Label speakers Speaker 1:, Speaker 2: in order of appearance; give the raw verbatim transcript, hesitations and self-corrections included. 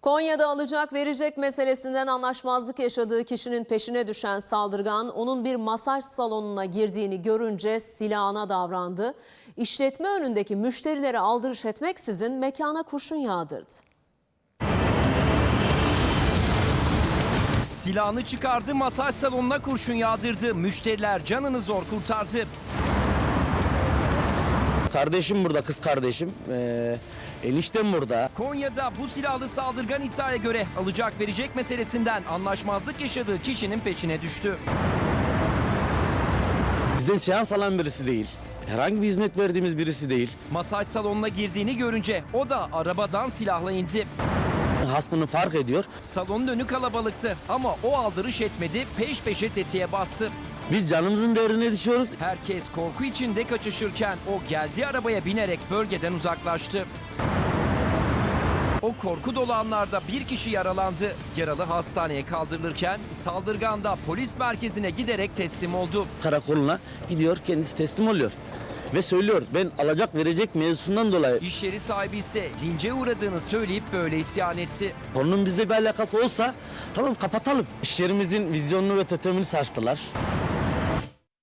Speaker 1: Konya'da alacak verecek meselesinden anlaşmazlık yaşadığı kişinin peşine düşen saldırgan onun bir masaj salonuna girdiğini görünce silahına davrandı. İşletme önündeki müşterilere aldırış etmeksizin mekana kurşun yağdırdı.
Speaker 2: Silahını çıkardı, masaj salonuna kurşun yağdırdı. Müşteriler canını zor kurtardı.
Speaker 3: Kardeşim burada, kız kardeşim. Ee, eniştem burada.
Speaker 2: Konya'da bu silahlı saldırgan iddiaya göre alacak verecek meselesinden anlaşmazlık yaşadığı kişinin peşine düştü.
Speaker 3: Bizden seans alan birisi değil. Herhangi bir hizmet verdiğimiz birisi değil.
Speaker 2: Masaj salonuna girdiğini görünce o da arabadan silahla indi.
Speaker 3: Hasmını fark ediyor.
Speaker 2: Salonun önü kalabalıktı ama o aldırış etmedi, peş peşe tetiğe bastı.
Speaker 3: Biz canımızın değerine düşüyoruz.
Speaker 2: Herkes korku içinde kaçışırken o geldiği arabaya binerek bölgeden uzaklaştı. O korku dolu anlarda bir kişi yaralandı. Yaralı hastaneye kaldırılırken saldırgan da polis merkezine giderek teslim oldu.
Speaker 3: Karakoluna gidiyor, kendisi teslim oluyor. Ve söylüyor, ben alacak verecek mevzusundan dolayı.
Speaker 2: İş yeri sahibi ise lince uğradığını söyleyip böyle isyan etti.
Speaker 3: Konunun bizle bir alakası olsa tamam kapatalım. İş yerimizin vizyonunu ve totemini sarstılar.